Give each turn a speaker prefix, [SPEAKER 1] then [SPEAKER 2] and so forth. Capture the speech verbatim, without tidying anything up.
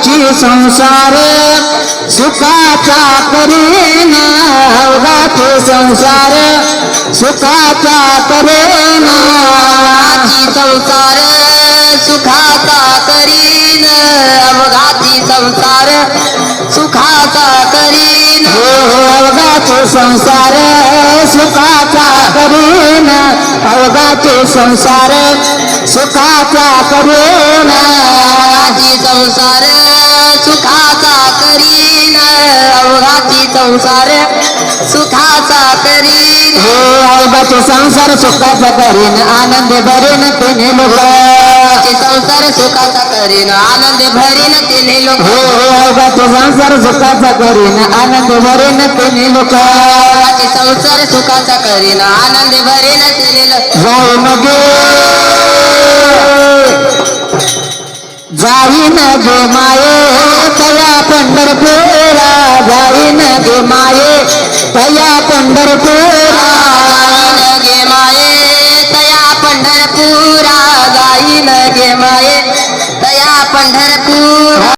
[SPEAKER 1] अवघाची संसार सुखाचा करीन अवघाची संसार सुखाचा करीन
[SPEAKER 2] संसार सुखाचा करीन अवघाची संसार सुखाचा करीन
[SPEAKER 1] हो अवघाची संसार सुखाचा करीन अवघाची संसार सुखाचा करीन
[SPEAKER 2] अवघाची संसार सुखाचा करीन अवघाची संसार सुखाचा करीन
[SPEAKER 1] हो अवघाची संसार सुखाचा करीन आनंद भरीन तिने लोक
[SPEAKER 2] संसार सुखाचा करीन आनंद भरीन तिने लोक
[SPEAKER 1] हो अवघाची संसार सुखाचा करीन आनंद भरीन तिने लोक
[SPEAKER 2] संसार सुखाचा करीन आनंद भरीन तिने लोक
[SPEAKER 1] जाईन गे जाईन गे माये तया पंढरपुरा जाईन गे माये तया पंढरपुरा
[SPEAKER 2] गे माये तया पंढरपुरा जाईन गे माये तया पंढरपूर